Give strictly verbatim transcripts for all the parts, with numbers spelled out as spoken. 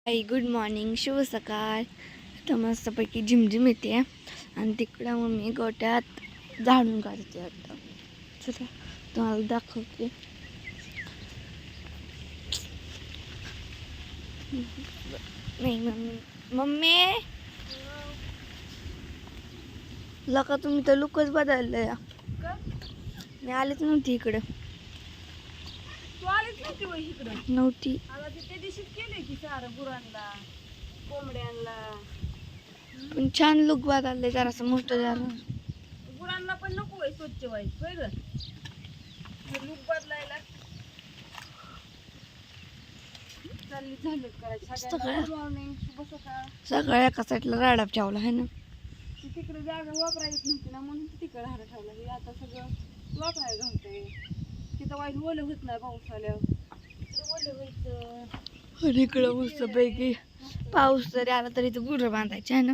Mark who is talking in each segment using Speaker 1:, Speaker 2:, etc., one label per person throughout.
Speaker 1: आई good morning, शुभ सकाळ. तर मस्तपैकी झिमझिम येते आणि तिकडं मम्मी गोट्यात झाडून काढते. आता चला तुम्हाला दाखवते. नाही मम्मी मम्मी लका तुम्ही तर लुकच बदललं या. मी आलेच नव्हती इकडं.
Speaker 2: तू आलीच नव्हती वय इकडं.
Speaker 1: नव्हती.
Speaker 2: आता ते त्या दिवशीच केलंय की सारं गुरांना कोंबड्यांना.
Speaker 1: पण छान लुक बदललंय, जरासं मोठं झालं.
Speaker 2: गुरांना पण नको वय स्वच्छ व्हायचं होय ग. लुक बदलायला चालली झालं करायचं. सगळ्यांना गुड मॉर्निंग, शुभ सकाळ.
Speaker 1: सगळ्या एका साईडला राडा ठेवला आहे ना.
Speaker 2: ती तिकडे जागा वापरायला येत नव्हती ना, म्हणून ती तिकडे राडा ठेवला. हे आता सगळं वापरायला घालतंय. तिथं वाईट ओलं होत नाही पाऊस आल्यावर. तिकडं ओलं व्हायचं.
Speaker 1: आणि इकडं मस्त पैकी पाऊस जरी आला तरी इथं गुरं बांधायचे आहे ना.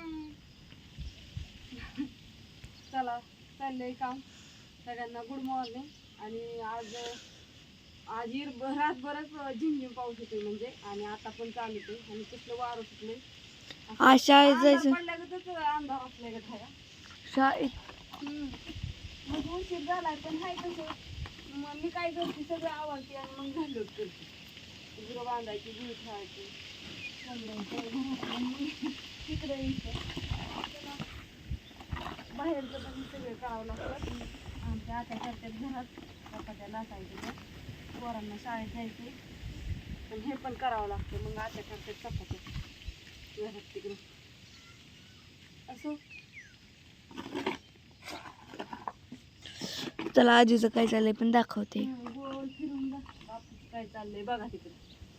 Speaker 2: चला चाललंय काम. सगळ्यांना गुड मॉर्निंग. आणि आज आज इर रातभरच झिमझिम पाऊस होतोय म्हणजे, आणि आता पण चालू आहे. आणि कसलं वारं सुटलंय.
Speaker 1: आज शाळेत जायचं.
Speaker 2: पडल्यागतच अंधार असल्यागत आहे.
Speaker 1: शाळेत
Speaker 2: मग उशीर झालाय पण हाय कसं. मग मी काय करते, सगळं आवडते आणि मग घालत करते. गुरं बांधायची, गुरं ठेवायची, तिकडे यायचं. बाहेरचं पण सगळं करावं लागतं. आमच्या आत्या करतात घरात चपात्या लाटायच्या, पोरांना शाळेत जायचे, पण हे पण करावं लागतं. मग आत्या करतात चपात्या घरात तिकडे. असं
Speaker 1: चला आजीचं काय चाललंय पण दाखवते.
Speaker 2: गोल फिरून बघ बापूचं काय चाललंय बघा तिकडे.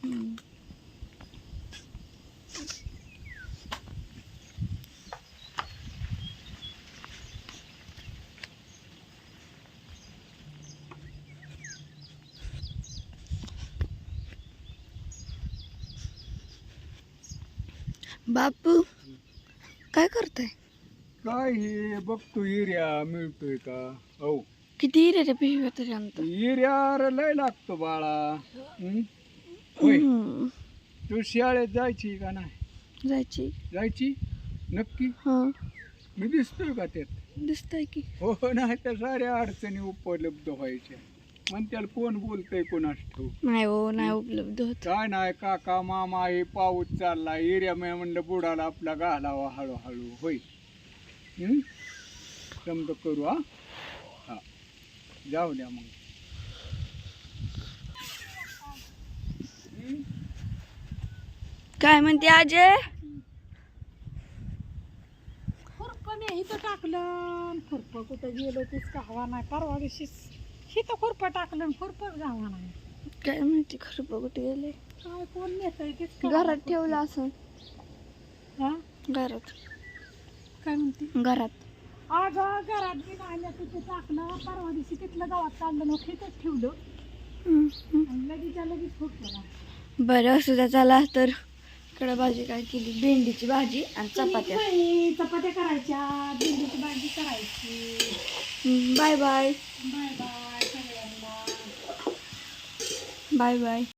Speaker 1: बापू काय करताय?
Speaker 3: काय हे बघतो, एरिया मिळतोय का? हो,
Speaker 1: किती रे रे पिशव्या तरी आणतो.
Speaker 3: एरिया लय लागतो बाळा. हं? होय, तू शाळेत जायची का नाही?
Speaker 1: जायची.
Speaker 3: जायची नक्की?
Speaker 1: हा
Speaker 3: मी दिसतोय का त्यात?
Speaker 1: दिसतंय की.
Speaker 3: हो, नाही तर साऱ्या अडचणी उपलब्ध व्हायच्या. मग त्याला कोण बोलतंय कोणास ठाऊक.
Speaker 1: नाही हो, नाही उपलब्ध होत.
Speaker 3: काय नाही, काका मामा हे पाऊस चालला एरिया मी म्हणलं बुडाला आपला घालावा हळूहळू. होय, हं? समज करू. हा हा जाऊ द्या मग. हं?
Speaker 1: काय म्हणते अजय?
Speaker 2: खुरपं इथं टाकलं, खुरपं कुठं गेलो तेच गावा नाही. परवा दिवशीच इथं खुरपं टाकलं, खुरपंच गावा नाही.
Speaker 1: काय माहिती खरं कुठे गेले.
Speaker 2: काय कोण नेतंय तेच
Speaker 1: घरात ठेवलं असं.
Speaker 2: हा
Speaker 1: घरात.
Speaker 2: काय म्हणते?
Speaker 1: घरात
Speaker 2: अगं घरात बी नाही तिथे टाकलं. परवा दिवशी तिथलं गावात काढलं, मग तिथंच ठेवलं आणि लगेच लगेच फुटलं.
Speaker 1: बरं असू द्या. चला तर इकडे भाजी काय केली, भेंडीची भाजी आणि चपात्या.
Speaker 2: चपात्या करायच्या, भेंडीची भाजी करायची.
Speaker 1: बाय बाय
Speaker 2: बाय बाय सगळ्यांना.
Speaker 1: Bye bye.